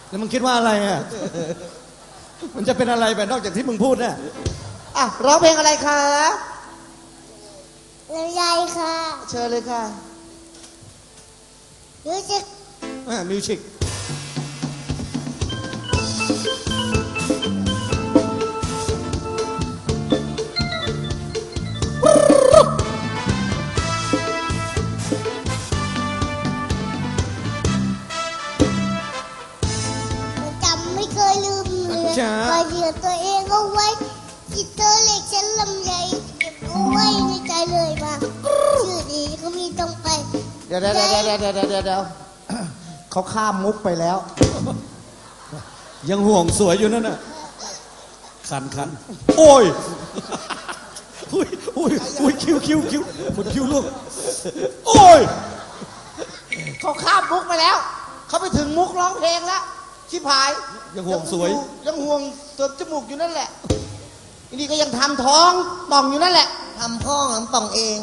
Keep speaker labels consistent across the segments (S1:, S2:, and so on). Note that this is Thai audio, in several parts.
S1: แล้วมึงคิดว่าอะไรอ่ะมันจะเป็นอะไรไปนอกจากที่มึงพูดเนี่ย
S2: อ่ะร้องเพลงอะไรคะ
S3: ลำไยค่ะ
S2: เชิญเลยค่ะ
S3: มิวสิก
S1: มิวสิก
S3: จำไม่เคยลืมเลยคอยเดือดตัวเองเอาไว้จิตเธอเล็กฉันลำไยเก็บเอาไว้ในใจเลยมาชื่อดีก็มีต้องไป
S2: เดี๋ยวเขาข้ามมุกไปแล้ว
S1: ยังห่วงสวยอยู่นั่นน่ะคันโอ้ยอุ้ยคิวหมดคิวลูกโอ้ย
S2: เขาข้ามมุกไปแล้วเขาไปถึงมุกร้องเพลงแล้วชิบหาย
S1: ยังห่วงสวย
S2: ยังห่วงเสริมจมูกอยู่นั่นแหละอันนี้ก็ยังทำท้องป่องอยู่นั่นแหละทำท้องทำป่องเอง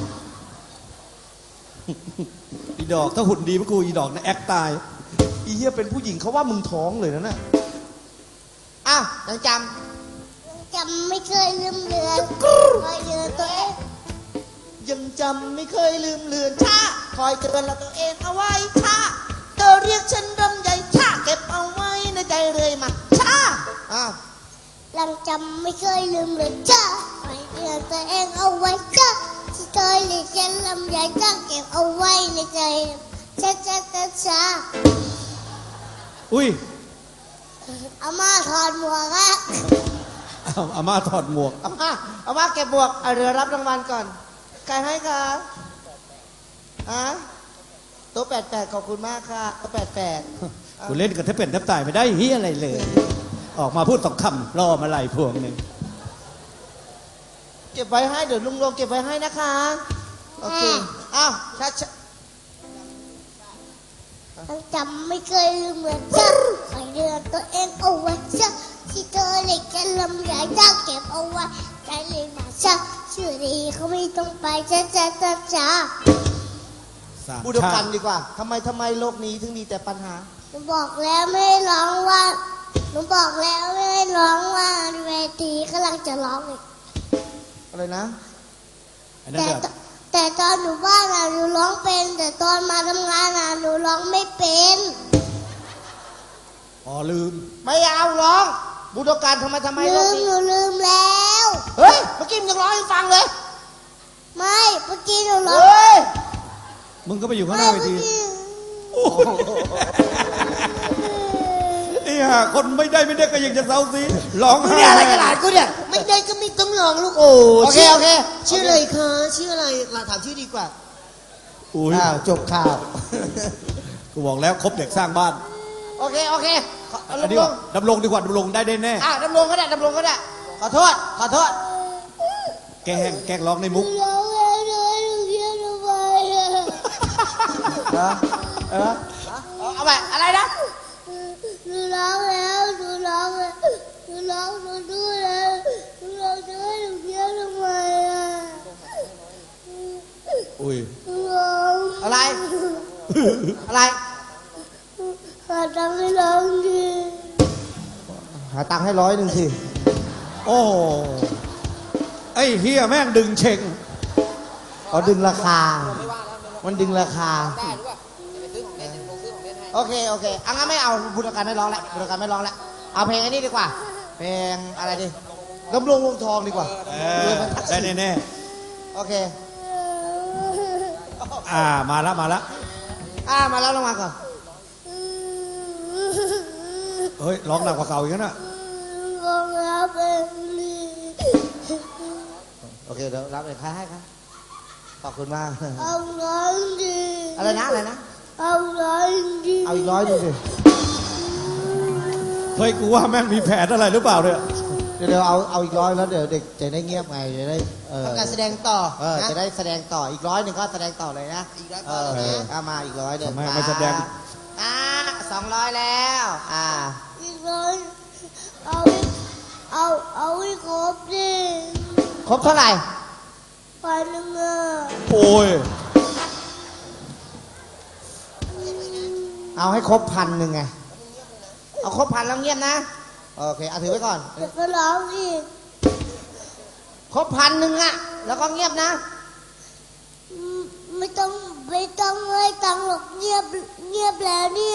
S1: อีดอกถ้าหุ่นดีพวกกูอีดอกนะแอคตาย
S2: อีเหี้ยเป็นผู้หญิงเขาว่ามึงท้องเลยนะอ้าวยัง
S3: จำไม่เคยลืมเลือนคอยเดือดตัวเอง
S2: ยังจำไม่เคยลืมเลือนชาคอยเตือนเราตัวเองเอาไว้ชาเธอเรียกฉันรำใหญ่ชาเก็บเอาไว้ในใจเลยมาชาอ้าว
S3: ยังจำไม่เคยลืมเลยจ้าคอยเตือนตัวเองเอาไว้จ้าที่เคยเรียกฉันลำใหญ่จ้าเก็บเอาไว้ในใจช้า
S1: อุ้ย
S3: อาม่าถอดหมวกอะ
S1: อาม่าถอดหมวก
S2: อาม่าเก็บหมวกเรือรับรางวัลก่อนใครให้คะโต๊ะ88ขอบคุณมากค่ะโต๊ะ88
S1: กูเล่นกับแทบเป็นแทบตายไม่ได้เฮียอะไรเลยออกมาพูด2 คำรอมาไหลพวงหนึ่ง
S2: เก็บไว้ให้เดี๋ยวลุงลงเก็บไว้ให้นะคะโอเคอ้าวช้า
S3: จำไม่เคยลืมเหมือนจ้าคอยเดือดตัวเองเอาไว้จ้าที่เธอเล็กแค่ลำใหญ่จ้าเก็บเอาไว้ใจเลยมาจ้าชื่อดีเขาไม่ต้องไปจ้า
S2: พูดด้วยกันดีกว่าทำไมโลกนี้ถึงมีแต่ปัญหา
S3: หนูบอกแล้วไม่ให้ร้องว่าหนูบอกแล้วไม่ให้ร้องว่าเวทีกำลังจะร้องอีก
S2: อะไรนะ
S3: แต่ตอนหนูบ้านหนูร้องเป็นแต่ตอนมาทำงานหนูร้องไม่เป็น
S1: ลืม
S2: ไม่เอาร้องบูดการทำไม
S3: ลืมหนูลืมแล้ว
S2: เฮ้ยเมื่อกี้มึงยังร้องให้ฟังเลย
S3: ไม่เมื่อกี้หนูร้อง
S1: มึงก็ไปอยู่ข้างหน้าเวทีคนไม่ได้ก็ยังจะเซาซีร้องไห้
S2: อะไรกันหลานกูเนี่ยไม่ได้ก็ไม่ต้องร้องลูกโอเคชื่ออะไรคะชื่ออะไรเราถามชื่อดีกว่าจบข่าว
S1: กูบอกแล้วครบเด็กสร้างบ้าน
S2: โอเค
S1: ดำรงดีกว่าดำรงได้แน่
S2: ดำรงก็ได้ขอโทษ
S1: แกล้งร้องในมุก
S2: เอาไปอะไรนะ
S3: หนูร้องแล้วหนูดูแล้วหนูร้องจะให้หนูเที่ยวทำไม
S1: อุ้ย
S2: อะไร
S3: หาตังค์ให้ร้องดิ
S2: หาตังค์ให้100สิ
S1: โอ้ไอ้เฮียแม่งดึงเชง
S2: ดึงราคามันดึงราคาโอเคงั้นไม่เอาบูดการไม่ร้องแล้วเอาเพลงอันนี้ดีกว่าเพลงอะไรดีดำรงวงทองดีกว่า
S1: ได้แน่
S2: โอเค
S1: มาแล้ว
S2: มาแล้วลงมาก่อน
S1: เฮ้ยร้องหนักกว่าเก่าอีกนะ
S3: ร้องแล้วเป็น
S2: โอเคเดี๋ยวรับเลยใครให้ครับขอบคุณมาก
S3: เอาร้องดี
S2: อะไรนะ
S3: เอาร้องดี
S2: เอาอีก100สิ
S1: เฮ้ยกูว่าแม่งมีแผนอะไรหรือเปล่าเนี่ย
S2: เดี๋ยวเอาอีก100แล้วเดี๋ยวเด็กจะได้เงียบไงจะได้การแสดงต่อจะได้แสดงต่ออีก100ก็แสดงต่อเลยนะอีก100มาอีก100เดี๋ยว
S1: มาแสดง
S2: 200แล้ว
S3: อีก100เอาให้ครบดิ
S2: ครบเท่าไหร่
S3: 1,000
S1: โอ้ย
S2: เอาให้ครบ1,000ไงเอาครบพันแล้วเงียบนะโอเคเอาถือไว้ก่อน
S3: เดี๋ยวก็ร้องอีก
S2: ครบ1,000อะแล้วก็เงียบนะ
S3: ไม่ต้องให้ตังค์หรอกเงียบแล้วเนี่ย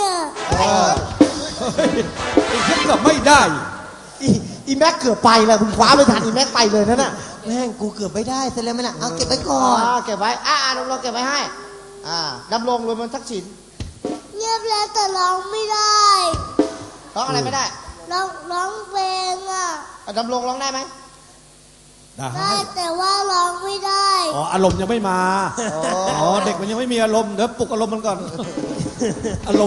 S1: ไอ้เกือบไม่ได้
S2: อีแม็กเกือบไปเลยคุณคว้าไม่ทันอีแม็กไปเลยนั่นน่ะ
S4: แม่งกูเกือบไม่ได้เสร็จแล้วไหมล่ะเอาเก็บไว้ก่อน
S2: เก็บไว้ดำรงเก็บไว้ให้ดำรงรวมมันทักษิณ
S3: เงียบแล้วแต่ร้องไม่ได้
S2: ร้องอะไรไม่ได้
S3: ร้องเพลงอ่ะ
S2: ดำรงร้องได้ไหม
S3: ได้แต่ว่าร้องไม่ได้
S1: อ๋ออารมณ์ยังไม่มาอ๋อเด็กมันยังไม่มีอารมณ์เดี๋ยวปลุกอารมณ์มันก่อนอารมณ์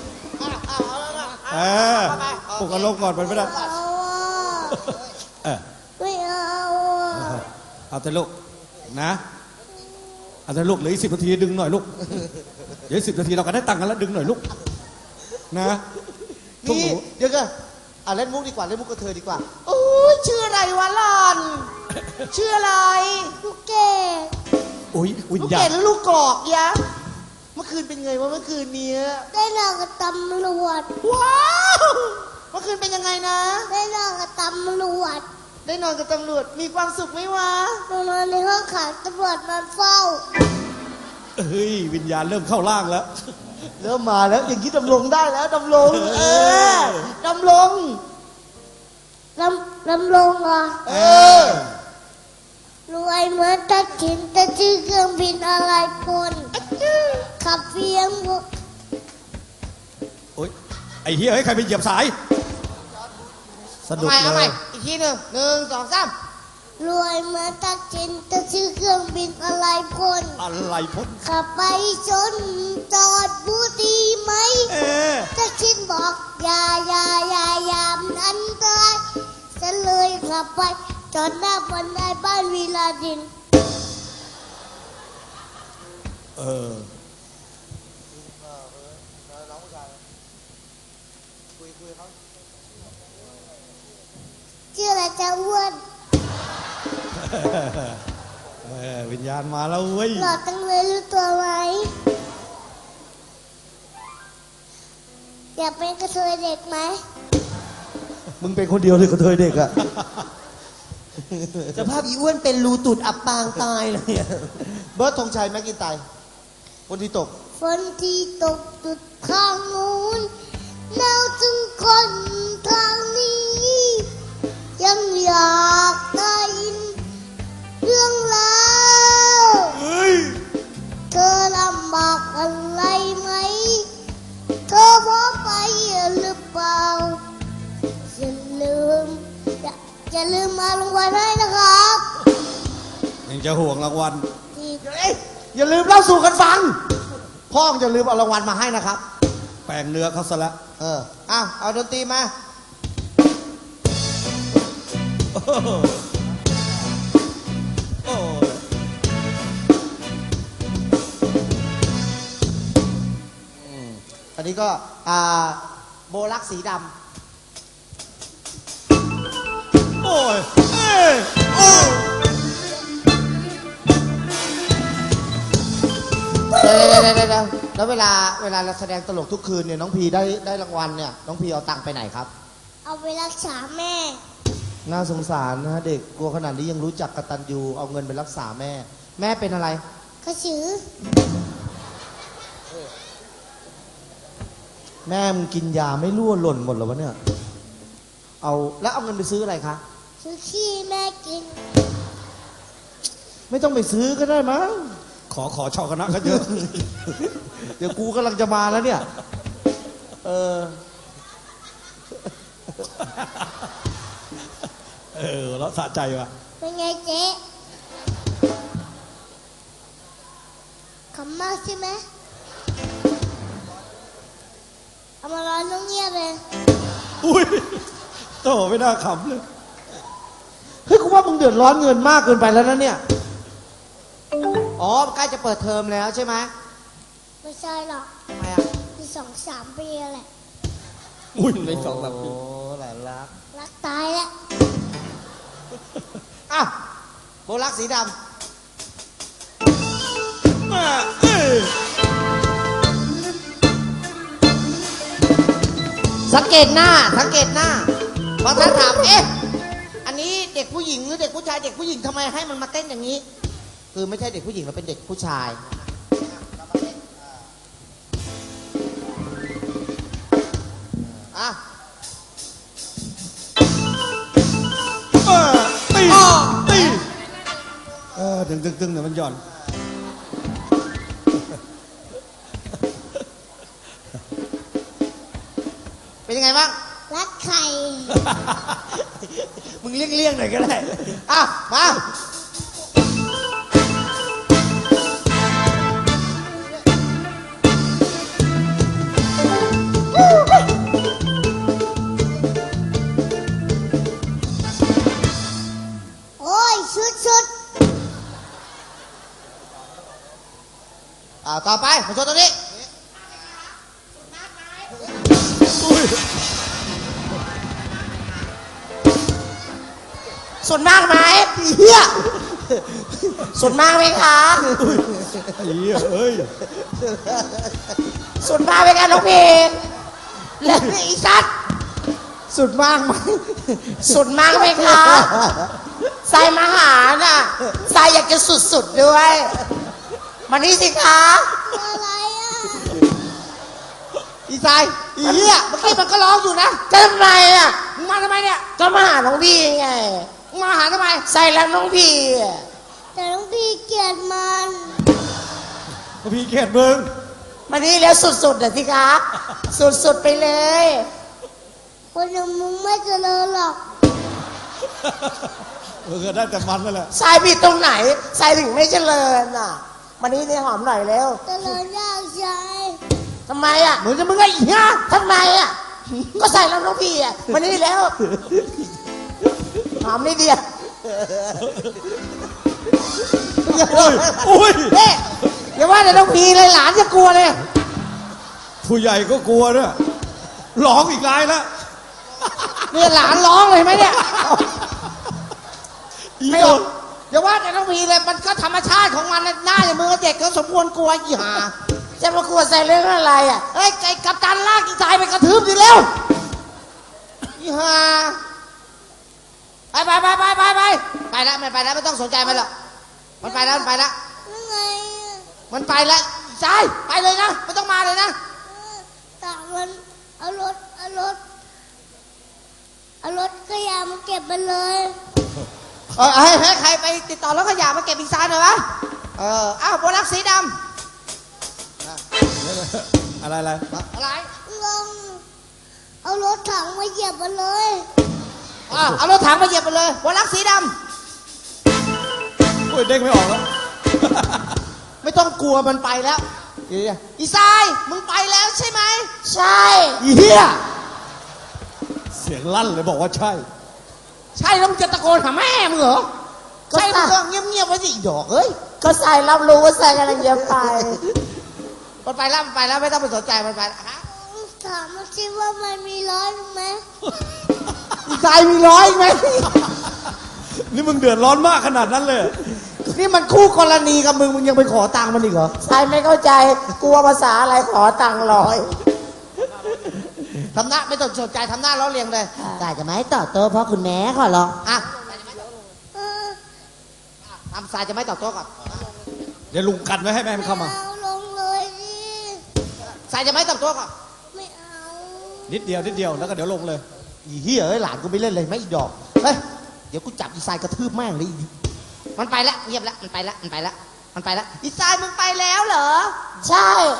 S1: ปลุกอารมณ์ก่อนไปไม่ได้
S3: เอาอ่ะไม่เอาอ่ะ
S1: เอาแต่ลูกนะเอาแต่ลูกเหลืออีก10 นาทีดึงหน่อยลูกเดี๋ยว10 นาทีเราก็ได้ตังค์กันแล้วดึงหน่อยลูกนะทุก
S2: นี่
S1: หนู
S2: เดี๋ยวกันเล่นมุกดีกว่าเล่นมุกกับเธอดีกว่าโอ้ยชื่ออะไรวะหลอน ชื่ออะไร
S3: ลูกเกด
S1: อุ้ยวิญ
S2: ลูก
S1: ญา
S2: เก
S1: ณ
S2: ดหรือลูกกอกยะเมื่อคืนเป็นไงวะเมื่อคืนเนี้ย
S3: ได้นอนกับตำรวจ
S2: ว้าวเมื่อคืนเป็นยังไงนะ
S3: ได้นอนกับตำรวจ
S2: ได้นอนกับตำรวจมีความสุขไหมวะ
S3: นอนในห้องขังตำรวจมาเฝ้า
S1: เฮ้ยวิญญาณเริ่มเข้าร่างแล้ว
S2: เริ่มมาแล้วอย่างนี้ดำรงได้แล้วดำรงดำรง
S3: ลำลงเหรอ รวยเหมือนตะกินแต่ชื่อเครื่องบินอะไรพลขับเฟียง
S1: โอ๊ยไอ้เฮียให้ใครไปเหยียบสายสะดุด
S2: เอา
S1: เล
S2: ใหม่
S1: ย
S2: อีกทีหนึ่ง1 2 3
S3: รวยเหมือนตะกินแต่ชื่อเครื่องบินอะไรพล
S1: อะไรพ้น
S3: ขับไปชนจอดบูดีไหมตะกินบอกอย่ามันอันตรายฉันเลยขับไปจอดหน้าบันไดบ้านวีลาดิน ชื่ออะไรจะอ้วน
S1: วิญญาณมาแล้วเว้ย
S3: หล่อจังเลยรู้ตัวไหมอยากเป็นกระเทยเด็กไหม
S2: มึงเป็นคนเดียวเลยกับเธอเด็กอะ
S4: สภาพอีอ้วนเป็นรูตุดอับปางตายเลยอะ
S2: เบิร์ดธงชัยแม็กกินไตคนที่ตก
S3: ฝนที่ตกจุดข้างนู้นหนาวถึงคนทางนี้ ยังอยากได้ยินเรื่องราวเธอลำบากอะไรไหมเธอพอไปหรือเปล่าอย่าลืมมารางวัลให้นะครับ
S1: ยังจะห่วงรางวัล
S3: ที่
S2: อย่าลืมเล่าสู่กันฟังพ่ออย่าลืมเอารางวัลมาให้นะครับ
S1: แปลงเนื้อเขาซะละ
S2: เอาดนตรีมาอันนี้ก็โบลักสีดำ
S1: โอ้ย
S2: แล้วเวลาเราแสดงตลกทุกคืนเนี่ยน้องพีได้รางวัลเนี่ยน้องพีเอาตังค์ไปไหนครับ
S3: เอาไปรักษาแม่
S2: น่าสงสารนะเด็กกลัวขนาดนี้ยังรู้จักกตัญญูเอาเงินไปรักษาแม่ แม่เป็นอะไร
S3: กระสือ
S2: แม่มึงกินยาไม่รั่วหล่นหมดหรอวะเนี่ยแล้วเอาเงินไปซื้ออะไรคะ
S3: ซื้อขี้แม่กิน
S2: ไม่ต้องไปซื้อก็ได้มั้ง
S1: ขอชาวคณะเขาเยอะ
S2: เดี๋ยวกูกำลังจะมาแล้วเนี่ย
S1: แล้วสะใจว่ะ
S3: เป็นไงเจ๊ขำมากใช่ไหมเอามาร้อนต้องเงียบเลย
S1: อุ้ยโตไม่น่าขำเลย
S2: เฮ้ยกูว่ามึงเดือดร้อนเงินมากเกินไปแล้วนะเนี่ยอ๋อใกล้จะเปิดเทอมแล้วใช่ไหม
S3: ไม่ใช่หรอก
S2: ทำไมอ่ะ
S3: มี2-3 ปีแหละ
S1: อุ้ยใน2-3 ปี
S2: โอ้หลานรัก
S3: รักตายแล้ว
S2: โบลักสีดำ
S1: เ
S2: สังเกตหน้าสังเกตหน้าบางท่านถามเอ๊ะอันนี้เด็กผู้หญิงหรือเด็กผู้ชายเด็กผู้หญิงทำไมให้มันมาเต้นอย่างนี้ คือไม่ใช่เด็กผู้หญิงเราเป็นเด็กผู้ชายอ่ะ
S1: ตีตีดึงเดี๋ยวมันหย่อน
S2: เป็นยังไงบ้าง
S3: รักใคร
S2: มึงเลี่ยงหน่อยก็ได้อ่ะมา
S3: โอ้ยชุด
S2: ต่อไปมาโชว์ตรงนี้
S1: อุ้ย
S2: ส่วนมากไหมเฮียส่วนมากไหมคะ
S1: ไอ้เหี้ยเอ้ย
S2: ส่วนมากไหมคะน้องเพลงแล้วอีสัตว์ส่วนมากไหมส่วนมากไหมคะสายมาหาน่ะสายอยากจะสุดๆด้วยมานี่สิคะ
S3: อะไรอ่ะ
S2: อีสายอีเหี้ยเมื่อกี้มันก็ร้องอยู่นะจะทำไมอ่ะมึงมาทำไมเนี่ยก็มาหาน้องพี่ไงมึงมาหาทำไมใส่แล้วน้องพี่
S3: แต่น้องพี่เกลียดมัน
S1: พี่เกลียดมึง
S2: มานี่แล้วสุดๆน่ะสิคะสุดๆไปเลย
S3: คนอย่างมึงไม่เจริญหรอก
S1: ก็ได้แต่มันนั่นแหละ
S2: สายผิดตรงไหนสายถึงไม่เจริญอ่ะมานี่เนี่ยหอมหน่อยเร็ว
S3: เจริญยากใจ
S2: ทำไมอ่ะเหมือนจะมึงไอ้เหี้ยทำไมอ่ะก็ใส่แล้วน้องพี่อ่ะมานี่แล้วหอมนิดเดียว
S1: อุ้ย
S2: เฮ้ยอย่าว่าแต่น้องพี่เลยหลานจะกลัวเลย
S1: ผู้ใหญ่ก็กลัวเนี่ยร้องอีกรายแล้ว
S2: เนี่ยหลานร้องเลยไหมเนี่ย
S1: อี
S2: ไม่
S1: โด
S2: หรอกอย่าว่าแต่น้องพี่เลยมันก็ธรรมชาติของมันนะหน้าอย่างมือเด็กก็สมควรกลัวอีห่าจะมากลัวใส่เรื่องอะไรอ่ะเฮ้ยไอ้กัปตันลากอีสายไปกระทืบดิเร็วอีห่าไปแล้วมันไปแล้วไม่ต้องสนใจมันหรอกมันไปแล้ว
S3: ยังไงอ่ะ
S2: มันไปแล้วใช่ไปเลยนะไม่ต้องมาเลยนะ
S3: ต่างมันเอารถขยะมาเก็บมันเลย
S2: ให้ใครไปติดต่อรถขยะมาเก็บอีกซายหน่อยวะอ้าวโบลักสีดำ
S1: อะไร
S2: อะไร
S3: ลองเอารถถังมาเหยียบมันเลย
S2: เอารถถังมาเหยียบไปเลยโบลักสีด
S1: โอ้ยเด้งไม่ออกแล้ว
S2: ำไม่ต้องกลัวมันไปแล้วอีซายมึงไปแล้วใช่ไหมใช่อีเหี้ย
S1: เสียงลั่นเลยบอกว่าใช่
S2: ใช่แล้วมึงจะตะโกนหาแม่มึงเหรอใช่มึงก็เงียบๆไว้สิอีดอกเอ้ยก็ใส่รับรู้ว่าใส่กำลังจะไปมันไปแล้วไม่ต้องไปสนใจมันไปฮะ
S3: ถามมาสิว่ามันมีร้อยไหม
S2: อีซายมีร้อยไหม
S1: นี่มึงเดือดร้อนมากขนาดนั้นเลย
S2: นี่มันคู่กรณีกับมึงยังไปขอตังค์มันอีกเหรอใช่ไม่เข้าใจกลัวภาษาอะไรขอตังค์ร้อยทำหน้าไม่ต้องสนใจทำหน้าล้อเลียงเลยกายจะไม่ให้ต่อโต้เพราะคุณแม่ขอร้องอ่ะทำสายจะไม่ต่อโต้ก่อน
S1: เดี๋ยวลุงกันไว้ให้แม่มันเข้ามา
S3: เอาลงเลยดิ
S2: สายจะไม่ต่อโต้ก่อน
S3: ไม่เอา
S1: นิดเดียวแล้วก็เดี๋ยวลงเลย
S2: อีเหี้ยเอ้ยหลานกูไม่เล่นเลยไม่อีดอกเฮ้ยเดี๋ยวกูจับอีสายกระทืบแม่งเลยมันไปแล้วเงียบแล้วมันไปแล้วอีสายมึงไปแล้วเหรอใช่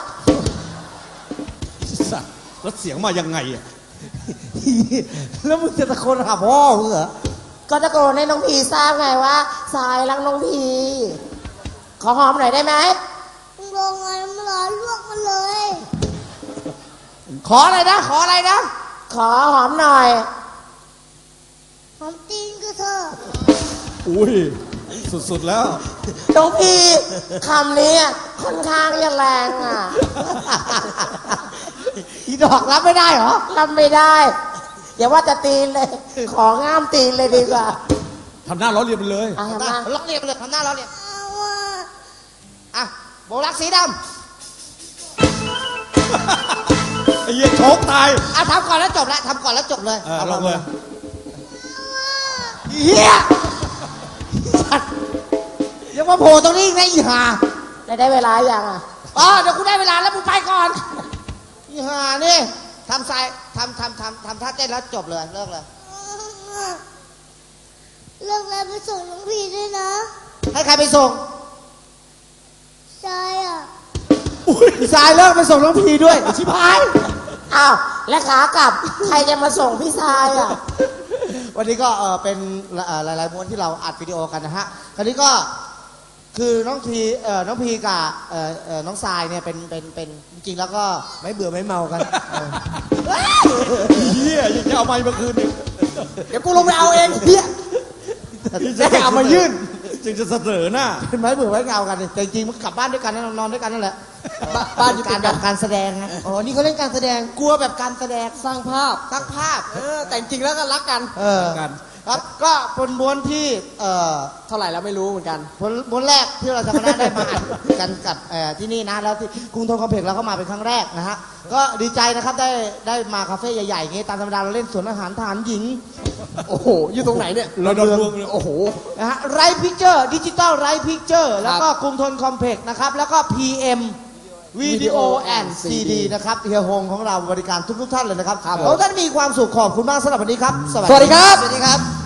S1: สัตว์แล้วเสียงมายังไงอ่ะ
S2: แล้วมึงจะตะโกนหาพ่อมึงเหรอก็ตะโกนให้น้องพีทราบไงว่าสายรักน้องพีขอหอมหน่อยได้ไหม
S3: มึงลงไงมันร้อนลวกมันเลย
S2: ขออะไรนะขอหอมหน่อย
S3: หอมตีนก็เถอะ
S1: อุ้ยสุดๆแล้ว
S2: น้องพีคำนี้ค่อนข้างจะแรงอ่ะ อีดอกรับไม่ได้เหรอรับไม่ได้อย่าว่าจะตีนเลย ของ้ามตีนเลยดีกว่า
S1: ทำหน้าล้อเลียนไปเลย
S2: ทำหน้าล้อเลียนไปเลยทำหน้าล้อเลียน
S3: เอาอ่ะ
S2: อ่ะโบลักสีด
S1: ไอ้เหี้ยชหกตาย
S2: ทำก่อนแล้วจบแล้วทำก่อนแล้วจบเลย
S1: ลงเลย
S2: เฮียยังมาโผล่ตรงนี้อีกนะอีห่า
S5: ได้เวลาอย่างอ่ะ
S2: เดี๋ยวกูได้เวลาแล้วมึงไปก่อนอีห่านี่ทำท่าเต้นแล้วจบเลยเลิกเลย
S3: เลิกแล้วไปส่งน้องพีด้วยนะ
S2: ให้ใครไปส่ง
S3: ใช่อ่ะ
S2: สายเลิกไปส่งน้องพีด้วยชิบหาย
S5: อ้าวและขากลับใครจะมาส่งพี่ชายอ่ะ
S2: วันนี้ก็เป็นหลายๆม้วนที่เราอัดวิดีโอกันนะฮะคราวนี้ก็คือน้องพีกับน้องทรายเนี่ยเป็นจริงๆแล้วก็
S4: ไม่เบื่อไม่เมากัน
S1: เฮียยังจะเอาไม้มาคืนอีก
S2: เดี๋ยวกูลงไปเอาเองเฮีย
S1: จะเอามายื่นจึงจะเสนอหน้า
S2: เป็นไม้เบื่อไม้เงากันแต่จริงๆมันกลับบ้านด้วยกันนอนด้วยกันนั่นแหละบ้านอยู่การแบบการแสดงนะ
S4: อ๋อ นี่เขาเล่นการแสดง
S2: กลัวแบบการแสดง
S4: สร้างภาพ
S2: สร้างภาพ
S4: แต่จริงแล้วก็รักกัน
S1: กัน
S2: ครับก็เป็นม้วนที่
S4: เท่าไหร่แล้วไม่รู้เหมือนกัน
S2: ม้วนแรกที่เราจะมาได้มาอัดกันกับที่นี่นะแล้วที่กรุงทนคอมเพล็กซ์เราเข้ามาเป็นครั้งแรกนะฮะก็ดีใจนะครับได้มาคาเฟ่ใหญ่ๆอย่างงี้ตามธรรมดาเราเล่นสวนอาหารทหารหญิง
S4: โอ้โห อยู่ตรงไหนเนี่ย
S1: เราโดนรวมเลย
S4: โอ้โห
S2: นะฮะไรพิกเจอร์ดิจิตอลไรพิกเจอร์แล้วก็กรุงทนคอมเพล็กซ์นะครับแล้วก็ PM วิดีโอแอนด์ซีดีนะครับเฮียฮงของเราบริการทุกท่านเลยนะครับขอให้ท่านมีความสุขขอบคุณมากสำหรับวันนี้ครับ
S4: สวัสดีครับ
S2: สวัสดีครับ